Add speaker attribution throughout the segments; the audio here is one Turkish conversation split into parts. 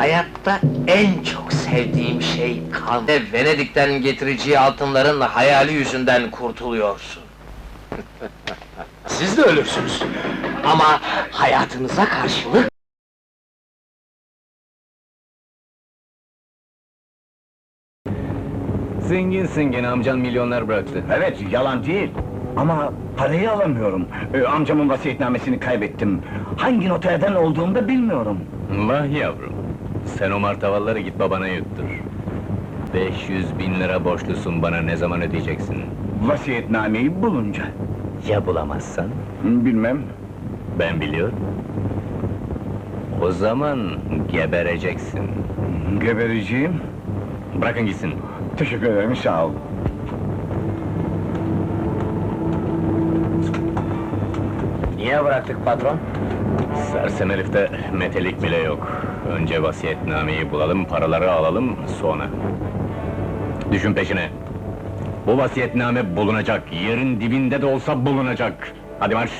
Speaker 1: Hayatta en çok sevdiğim şey kan. Ve Venedik'ten getireceği altınların hayali yüzünden kurtuluyorsun. Siz de ölürsünüz. Ama hayatınıza karşılık...
Speaker 2: Zenginsin gene, amcan milyonlar bıraktı.
Speaker 3: Evet, yalan değil. Ama parayı alamıyorum. Amcamın vasiyetnamesini kaybettim. Hangi noterden olduğumu da bilmiyorum.
Speaker 2: Vah yavrum, sen o martavalları git babana yuttur. 500.000 lira borçlusun bana, ne zaman ödeyeceksin?
Speaker 3: Vasiyetnameyi bulunca.
Speaker 2: Ya bulamazsan?
Speaker 3: Bilmem.
Speaker 2: Ben biliyorum. O zaman gebereceksin.
Speaker 3: Gebereceğim.
Speaker 2: Bırakın gitsin.
Speaker 3: Teşekkür ederim, sağ ol.
Speaker 1: Niye bıraktık patron?
Speaker 2: Sersem herifte metelik bile yok. Önce vasiyetnameyi bulalım, paraları alalım, sonra. Düşün peşine. Bu vasiyetname bulunacak, yerin dibinde de olsa bulunacak. Hadi marş!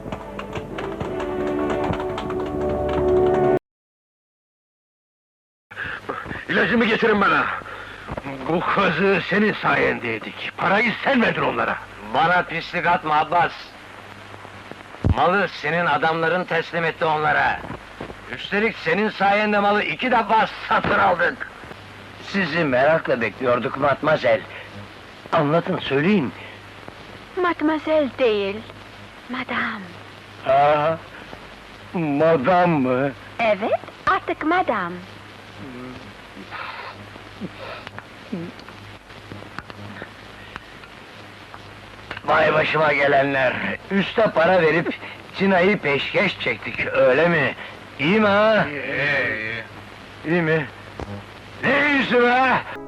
Speaker 4: İlacımı getirin bana! Bu kazığı senin sayende yedik. Parayı sen verdin onlara.
Speaker 1: Bana pislik atma Abbas! Malı senin adamların teslim etti onlara. Üstelik senin sayende malı 2 defa satın aldık. Sizi merakla bekliyorduk Matmazel. Anlatın, söyleyin.
Speaker 5: Matmazel değil, madam.
Speaker 4: Ha, madam mı?
Speaker 5: Evet, artık madam.
Speaker 1: Vay başıma gelenler! Üste para verip Cina'yı peşkeş çektik, öyle mi? İyi mi ha? İyi mi? Ne iyisi be?